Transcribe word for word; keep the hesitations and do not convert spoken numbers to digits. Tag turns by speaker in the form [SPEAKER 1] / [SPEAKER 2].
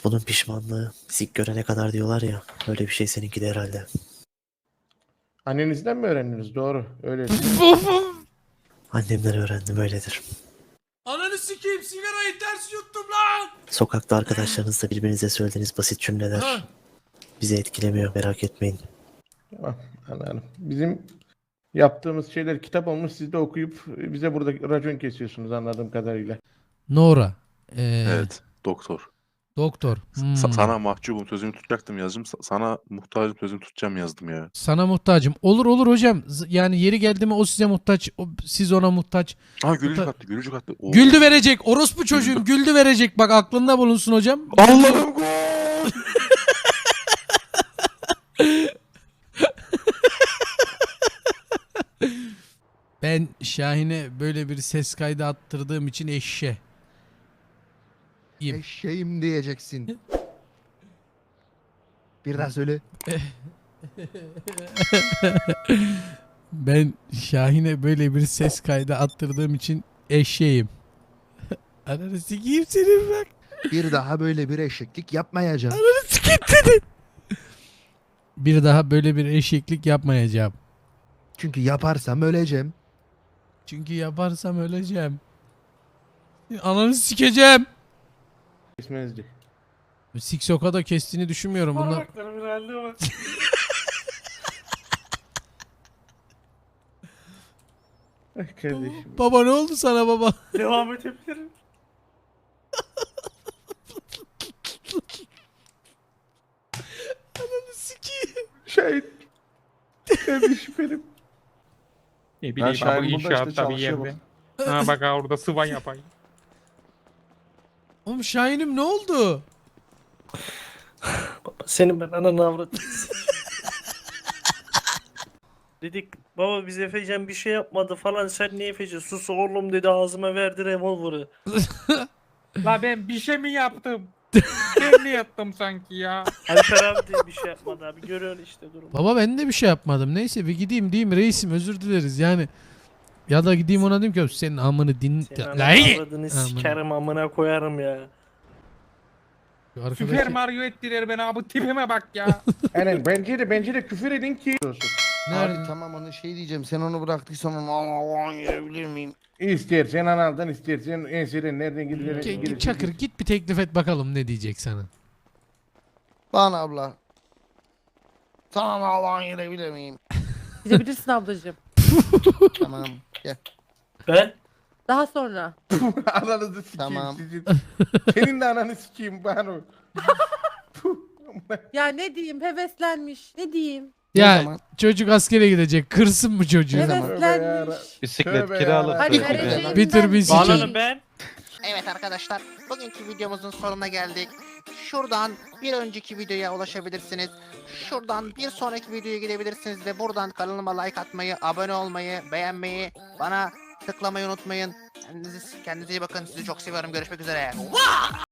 [SPEAKER 1] Bunun pişmanlığı sik görene kadar diyorlar ya. Öyle bir şey seninki de herhalde.
[SPEAKER 2] Annenizden mi öğrendiniz? Doğru. Öyle.
[SPEAKER 1] Annemden öğrendim öyledir.
[SPEAKER 3] Ananı sikeyim, sigarayı ters yuttum lan.
[SPEAKER 1] Sokakta arkadaşlarınızla birbirinize söylediğiniz basit cümleler
[SPEAKER 3] Ha.
[SPEAKER 1] bizi etkilemiyor, merak etmeyin.
[SPEAKER 2] Tamam. Anladım. Bizim yaptığımız şeyler kitap olmuş. Siz de okuyup bize burada racon kesiyorsunuz anladığım kadarıyla.
[SPEAKER 3] Nora. Ee,
[SPEAKER 4] Evet, doktor.
[SPEAKER 3] Doktor. Hmm.
[SPEAKER 4] Sa- sana mahcubum sözümü tutacaktım yazdım. Sa- sana muhtacım sözümü tutacağım yazdım ya.
[SPEAKER 3] Sana muhtacım. Olur olur hocam. Z- Yani yeri geldi mi o size muhtaç. O, siz ona muhtaç.
[SPEAKER 4] Ha gülücük
[SPEAKER 3] Muta-
[SPEAKER 4] attı, gülücük attı. Oo.
[SPEAKER 3] Güldü verecek. Orospu çocuğum güldü verecek. Bak aklında bulunsun hocam.
[SPEAKER 4] Allah'ım gol!
[SPEAKER 3] Ben Şahin'e böyle bir ses kaydı attırdığım için eşşe. İyiyim.
[SPEAKER 5] Eşeğim diyeceksin. Bir daha söyle.
[SPEAKER 3] Ben Şahin'e böyle bir ses kaydı attırdığım için eşeğim. Ananı sikeyim senin bak.
[SPEAKER 5] Bir daha böyle bir eşeklik yapmayacağım.
[SPEAKER 3] Bir daha böyle bir eşeklik yapmayacağım.
[SPEAKER 5] Çünkü yaparsam öleceğim.
[SPEAKER 3] Çünkü yaparsam öleceğim. Ananı sikeceğim.
[SPEAKER 2] Kesmenizdi.
[SPEAKER 3] Siksoka da kestiğini düşünmüyorum. Bunlar...
[SPEAKER 6] Parmaklarım herhalde var.
[SPEAKER 2] Ay kardeşim.
[SPEAKER 3] Baba ne oldu sana baba?
[SPEAKER 6] Devam edebilirim.
[SPEAKER 3] Sikeyim.
[SPEAKER 2] Şahit. Kardeşim benim.
[SPEAKER 6] Ne
[SPEAKER 7] Ben
[SPEAKER 6] bileyim abi
[SPEAKER 7] Şahin burada işte
[SPEAKER 6] inşaatta bir
[SPEAKER 7] çalışıyor
[SPEAKER 6] yerde.
[SPEAKER 7] bak.
[SPEAKER 6] Ha bak ha orada sıvan yapayım.
[SPEAKER 3] Oğlum Şahin'im ne oldu?
[SPEAKER 7] Senin ben ananı avradım.
[SPEAKER 6] Dedik baba biz Efecan bir şey yapmadı falan sen niye Efecan sus oğlum dedi ağzıma verdi revolver'ı. La ben bir şey mi yaptım? Ben mi yaptım sanki ya? Alper abi de bir şey yapmadı abi görüyorsun işte durumu.
[SPEAKER 3] Baba ben de bir şey yapmadım. Neyse bir gideyim diyeyim reisim özür dileriz yani. Ya da gideyim ona diyeyim ki senin amını din...
[SPEAKER 6] Senin
[SPEAKER 3] La-
[SPEAKER 6] ananı avradını
[SPEAKER 3] Amına.
[SPEAKER 6] sikerim amına koyarım ya.
[SPEAKER 3] Şu
[SPEAKER 6] Süper
[SPEAKER 3] arkadaki...
[SPEAKER 6] Mario ettiler beni abi tipime bak ya.
[SPEAKER 2] Aynen bence de bence de küfür edin ki olsun.
[SPEAKER 3] Nerede?
[SPEAKER 5] Abi tamam onu şey diyeceğim. Sen onu bıraktıysan onu Allah'ın yiyebilir miyim?
[SPEAKER 2] İstersen analdan istersen enseden nereden gidilir?
[SPEAKER 3] Git, git Çakır git bir teklif et bakalım ne diyecek sana.
[SPEAKER 5] Bana abla. Sana Allah'ın yiyebilir miyim?
[SPEAKER 8] Gidebilirsin ablacığım.
[SPEAKER 5] Tamam. Gel.
[SPEAKER 6] Ben?
[SPEAKER 8] Daha sonra.
[SPEAKER 2] Ananızı sikeyim
[SPEAKER 5] Tamam.
[SPEAKER 2] sizin. Senin de ananı sikeyim Banu.
[SPEAKER 8] Ya ne diyeyim heveslenmiş. Ne diyeyim?
[SPEAKER 5] Ne
[SPEAKER 3] Ya
[SPEAKER 5] zaman?
[SPEAKER 3] çocuk askere gidecek kırsın mı çocuğu?
[SPEAKER 5] Evet.
[SPEAKER 8] Heveslenmiş.
[SPEAKER 7] Bisiklet
[SPEAKER 2] Tövbe
[SPEAKER 7] kiralık.
[SPEAKER 2] yarabbim.
[SPEAKER 8] Hadi
[SPEAKER 5] Bitir bir
[SPEAKER 8] vereceğim
[SPEAKER 3] Bitir
[SPEAKER 8] ben.
[SPEAKER 3] bir sikeyim.
[SPEAKER 6] Bağlanın ben.
[SPEAKER 9] Evet arkadaşlar, bugünkü videomuzun sonuna geldik. Şuradan bir önceki videoya ulaşabilirsiniz. Şuradan bir sonraki videoya gidebilirsiniz ve buradan kanalıma like atmayı, abone olmayı, beğenmeyi, bana tıklamayı unutmayın. Kendinize, kendinize iyi bakın. Sizi çok seviyorum. Görüşmek üzere.